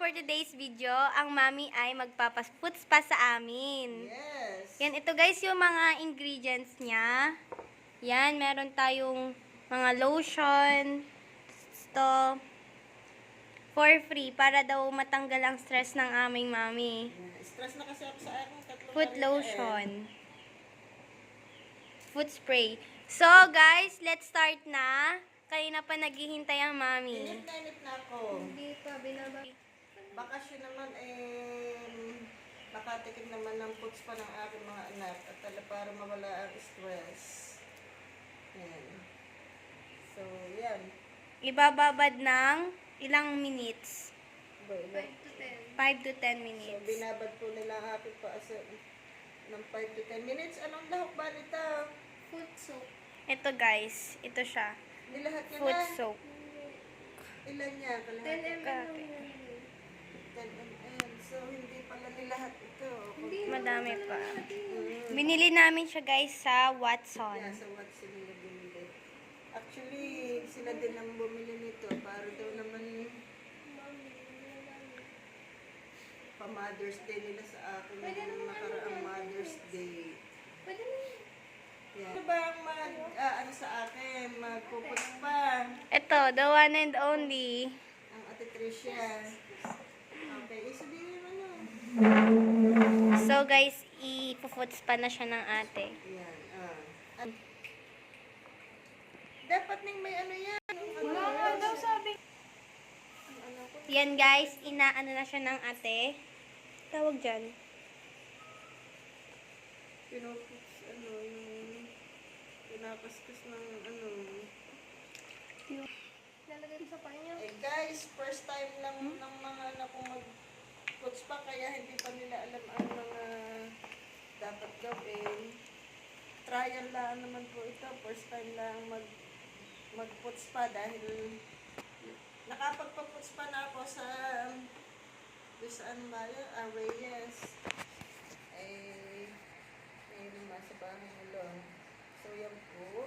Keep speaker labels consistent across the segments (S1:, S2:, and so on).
S1: for today's video, ang mami ay magpapaputs pa sa amin.
S2: Yes.
S1: Yan, ito guys yung mga ingredients niya. Yan, meron tayong mga lotion. Ito, for free, para daw matanggal ang stress ng aming mami.
S2: Stress na kasi ako sa akin.
S1: Foot lotion. Foot spray. So guys, let's start na. Kanina pa naghihintay ang mami.
S2: Init na ako.
S1: Hindi pa, binaba.
S2: Bakasyon naman nakatikim naman ng foods pa ng aking mga anak at para mawala ang stress. Yan. So, yan.
S1: Ibababad ng ilang minutes?
S2: 5
S1: 5 to 10
S2: So,
S1: minutes.
S2: binabad po nila ang aking paasa ng 5 to 10 minutes. Anong lahok ba nito?
S3: Foot soap.
S1: Ito guys, ito siya.
S2: Nilahat niya
S1: Foot
S2: na.
S1: soap.
S2: Ilan niya?
S3: 10
S2: Kalahati.
S3: ml lang yan.
S2: 10 ml. So, hindi pala nilahat ito.
S3: Hindi,
S1: Madami pa.
S2: Mm.
S1: Binili namin siya guys sa Watson.
S2: Yeah, so what sila bumili. Actually, sila din ang bumili nito para daw naman pa-Mother's Day nila sa akin.
S3: Pwede naman
S2: Nakaraang Mother's Day.
S3: Pwede na yun.
S2: Yeah. Ano ba ang ano sa akin? Magpuputs pa.
S1: Ito, the one and only.
S2: Ang Ate Tricia. Okay, sabihin mo na.
S1: So guys, ipuputs pa na siya ng ate.
S2: Yan. Dapat ning may ano yan.
S3: Wala nga daw sabi.
S1: Yan guys, inaano na siya ng ate. Tawag dyan.
S2: Pinuputs, yung pinapaskas ng
S3: Lalagay ko sa panya.
S2: Eh guys, first time lang ng mga anak ko mag-puts pa, kaya hindi pa nila alam ang mga dapat gawin. Trial lang naman po ito. First time lang mag-puts pa dahil nakapagpa-puts pa na ako sa saan ba yun? Reyes. Naman sa bahay nila. So yan po.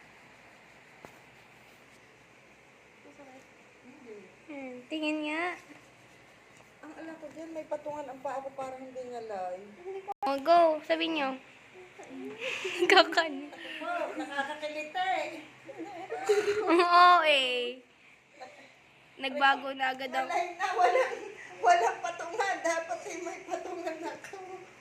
S2: Hindi.
S1: Tingin nga.
S2: Ang alam ko dyan, may patungan ang paa ko parang hindi ngalay.
S1: Oh, go. Sabi niyo. Kakan.
S2: Wow, nakakakilita eh.
S1: Oo eh. Nagbago na agad ang...
S2: Walay na, walang patungan. Dapat may patungan ako.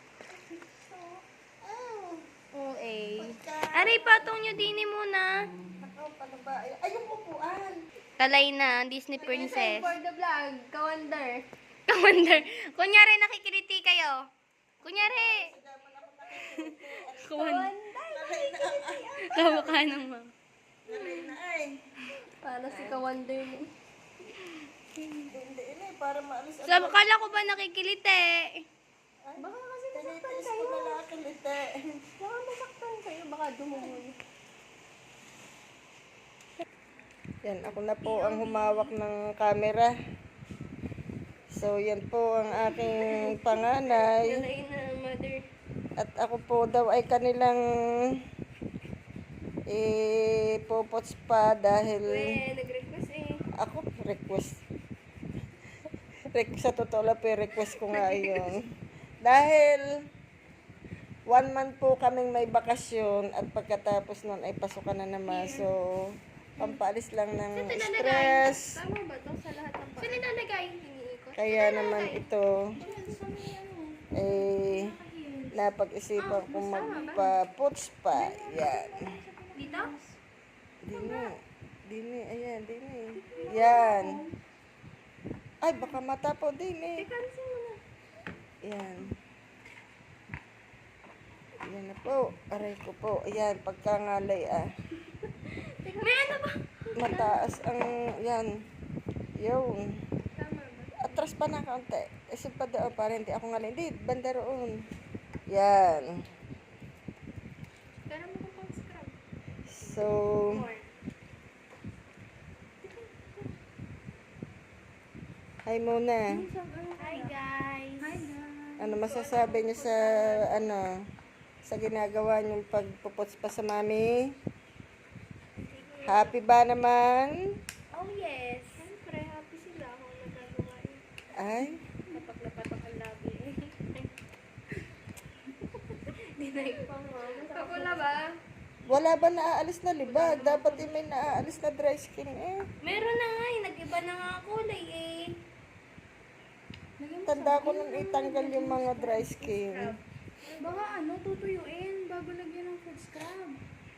S1: Oo eh.
S2: Pagka-
S1: Aray, patong niyo dini muna.
S2: Ako, paano ba? Ay, yung upuan.
S1: Talay na, Disney princess.
S3: For the vlog, ka-wonder.
S1: Commander. Kunyari, nakikiliti kayo. Kunyari. Commander.
S2: Nalay na,
S1: Kamukha ng ma'am.
S2: nalay na ay.
S3: Para si ka-wonder mo.
S2: Hindi, para maalis
S1: Sabi, kala ko ba nakikiliti?
S3: Baka kasi nasaktan
S2: Tinitis
S3: kayo.
S2: ko na nakakilita.
S3: Baka masaktan kayo. Baka dumuhon.
S2: Yan, ako na po ang humawak ng camera. So, yan po ang aking panganay.
S1: Talay na, mother.
S2: At ako po daw ay kanilang ipopots pa dahil
S1: nag-request eh.
S2: ako request. Sa totoo lang po, request ko nga yun. Dahil 1 month po kaming may bakasyon at pagkatapos nun ay pasukan na naman. So, pampaalis lang ng stress.
S3: Tama ba ito sa lahat ng
S1: Saan nilalagay? Iniikot?
S2: Kaya naman ito, napag-isipan kong magpa-puts pa. Yan.
S1: Dito?
S2: Dini, ayan, dini. Yan. Ay, baka mata po, dini.
S3: Kansin mo na.
S2: Yan. Yan na po. Aray ko po. Ayan, pagkangalay
S1: May ano ba?
S2: Mataas ang, yan. Yung.
S3: Tama ba?
S2: Atras pa na kaunti. Isip pa doon para hindi ako ngalay. Hindi, banda roon. Yan.
S3: Pero mo kung pang-scrub.
S2: So, hi muna.
S1: Hi guys.
S3: Hi guys.
S2: Ano masasabi niyo sa ginagawa niyong pagpuputs pa sa mami? Happy ba naman?
S1: Oh yes.
S3: Siyempre, happy sila kung nagagawa yun.
S2: Ay,
S1: Lapak-lapatak ang labi eh. Dinay pa mo.
S3: Kapula ba?
S2: wala ba naaalis na libag? Dapat may naaalis na dry skin eh.
S1: Meron na nga eh. Nag-iba na nga kulay eh.
S2: Tanda ko nung itanggal yung mga dry skin.
S3: Baka tutuyuin bago lagyan ng food scrub.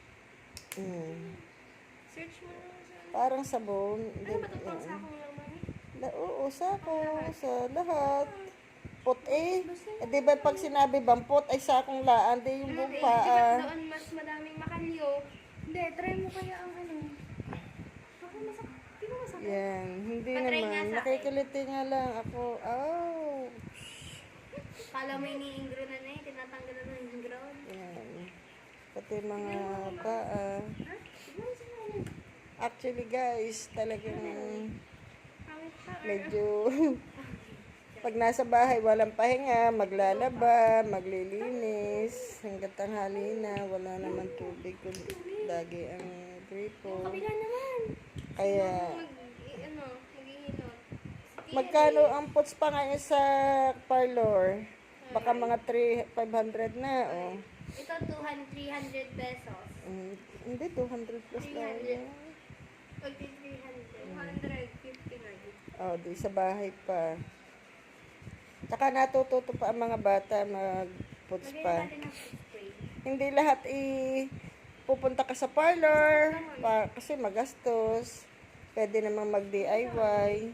S1: Search mo na sa...
S2: Parang sabon.
S1: Ano ba ito pang sakong lang mami?
S2: Oo, sako. Sa lahat. Pot eh. Di ba pag sinabi bang pot ay sakong laan, di yung buong
S1: Di
S2: paa.
S1: ba doon mas madaming makalyo?
S3: Hindi, try mo kaya ang Baka masakit. Di ba masakit?
S2: Yan. Hindi
S1: Patry nga
S2: naman.
S1: sa akin.
S2: Nakikiliti nga lang ako. Oh.
S1: Kala mo iniingro na eh. Tinatanggal na ng ingro.
S2: Yan. Pati mga paa.
S3: Siguro sa namin.
S2: Actually guys, talagang
S1: Pangit ka.
S2: medyo pag nasa bahay walang pahinga, maglalaba, maglilinis, hanggang tanghali na, wala naman tubig, kundi lagi ang gripo.
S1: Kabila naman.
S2: Kaya,
S1: Maghihilot.
S2: magkano ang pots pa ngayon sa parlor? Baka mga 500 na, oh.
S1: Ito 300 pesos.
S2: Hindi, 200 plus na
S1: 300.
S2: yan.
S1: Pagdi 300. 150 na yun.
S2: Oh, di sa bahay pa. Tsaka natututo pa ang mga bata mag-puts
S1: Lagyan
S2: pa.
S1: natin ng food spray.
S2: Hindi lahat pupunta ka sa parlor kasi magastos. Pwede namang mag-DIY.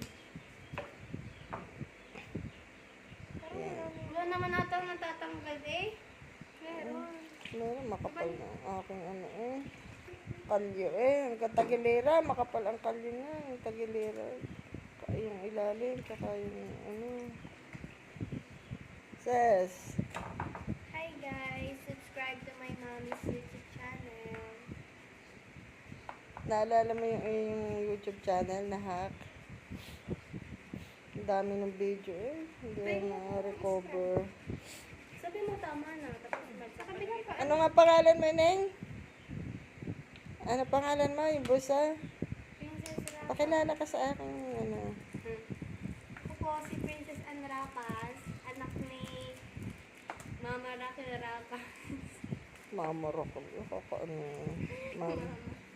S1: Wala naman natang natatanggal eh. Meron.
S2: Meron, makapal na ang aking kalyo Ang katagilera, makapal ang kalyo na. Ang tagilera. Yung ilalim, tsaka yung Sis.
S1: Hi guys! Subscribe to my mommy's YouTube channel.
S2: Naalala mo yung YouTube channel na hack? Ang dami ng video eh. Hindi na recover.
S1: Sabi mo tama na. Tapos magsasabi pa.
S2: Ano nga pangalan mo, Neng? Ano pangalan mo? Yung busa?
S1: Princess Rapas.
S2: Pakilala ka sa akin.
S1: Ako po si Princess Ann Rapas. Anak ni Mama Raquel Rapas.
S2: Mama Rock. Mama.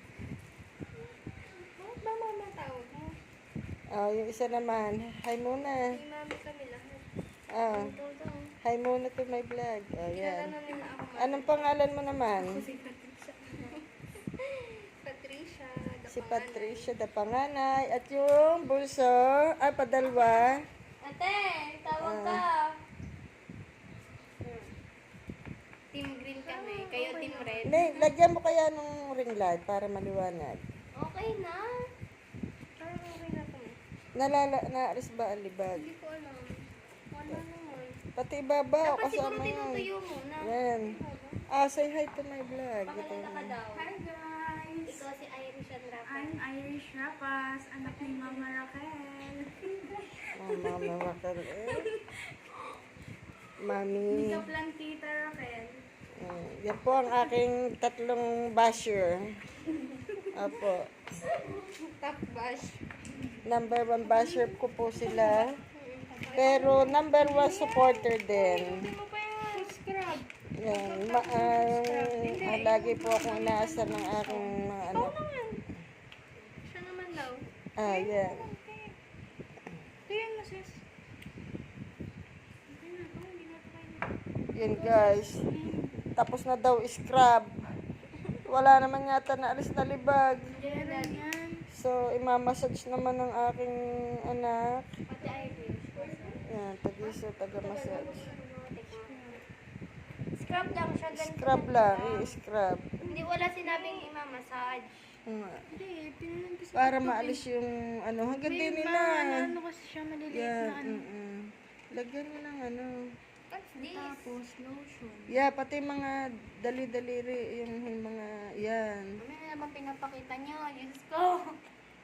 S1: Bakit ba mama tawag mo?
S2: Yung isa naman. Hi muna.
S1: Si Mami kami lahat.
S2: Ah,
S1: Todo.
S2: hi muna to my vlog.
S1: Kilala
S2: Ayan.
S1: na nila ako.
S2: Anong pangalan mo naman?
S1: Si Patricia. Patricia.
S2: Si Patricia, da panganay. At yung bulso, padalwa.
S1: Ate, tawag ka. Team green kami. Kayo team red.
S2: Neng, lagyan mo kaya ng ring light para maliwanag.
S1: Okay na. Parang okay na kami.
S2: Naalis ba ang libag?
S1: Hindi ko alam. Wala naman.
S2: Pati ibaba, o
S1: Dapat siguro
S2: kasama yun.
S1: tinutuyo muna.
S2: Yan. Say hi to my vlog.
S1: Pakilala ka daw.
S3: Hi guys!
S1: Ikaw si Irish and Rafa.
S3: I'm Irish Rapas, anak ni Mama Raquel.
S2: Mama Raquel Mami.
S3: Ikaw lang Tita Raquel.
S2: Yan po ang aking tatlong basher. Apo.
S1: Top bash.
S2: Number 1 basher ko po sila. Pero number 1 supporter din.
S1: Hindi mo pa yan. Scrub.
S2: Yan. Lagi po akong inaasar ng aking mga anak.
S1: Siya naman daw.
S2: Yan.
S1: Tingnan mo sis. Okay na. Hindi na ito kayo.
S2: Yan guys. Tapos na daw scrub. Wala naman yata naalis na libag.
S1: Meron yan.
S2: So, imamassage naman ng aking anak.
S1: Pati Irish.
S2: Yan, tagiso, taga-massage.
S1: Scrub lang siya. Ganito
S2: Scrub lang, i-scrub.
S1: Hindi wala sinabing ima-massage.
S3: Hindi, pinanong
S2: Para maalis yung hanggang din nila.
S3: Ano kasi siya maliliit
S2: Yan,
S3: na ano.
S2: Lagyan mo ng
S1: What's this?
S3: Tapos lotion.
S2: Yeah, pati mga dali-daliri, yung mga, yan.
S1: Ano na naman pinapakita niyo? Diyos ko.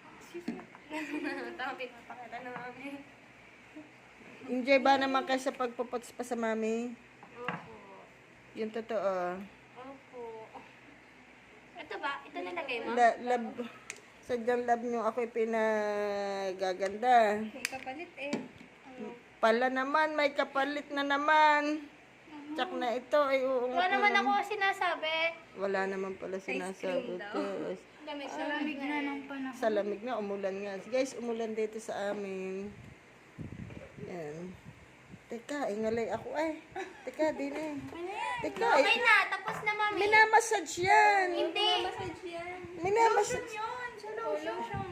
S1: Tama pinapakita na mami.
S2: Enjoy ba naman kayo sa pagpuputs pa sa mami?
S1: Opo.
S2: Yung totoo.
S1: Opo. Ito ba? Ito nalagay mo?
S2: Love, sadyang love nyo ako'y pinagaganda.
S1: Kapalit eh.
S2: Pala naman, may kapalit na naman. Tsak na ito ay
S1: Wala naman ako sinasabi.
S2: Wala naman pala sinasabi. Guys.
S3: Lamig na ng panahon.
S2: Sa lamig na, umulan nga. Guys, umulan dito sa amin. Yan. Teka, ingalay ako ay. Teka, din eh. Teka,
S1: Okay na, tapos na mami.
S2: minamassage yan.
S1: Hindi.
S3: Massage yan.
S2: Minamassage.
S3: Yun, sa lotion.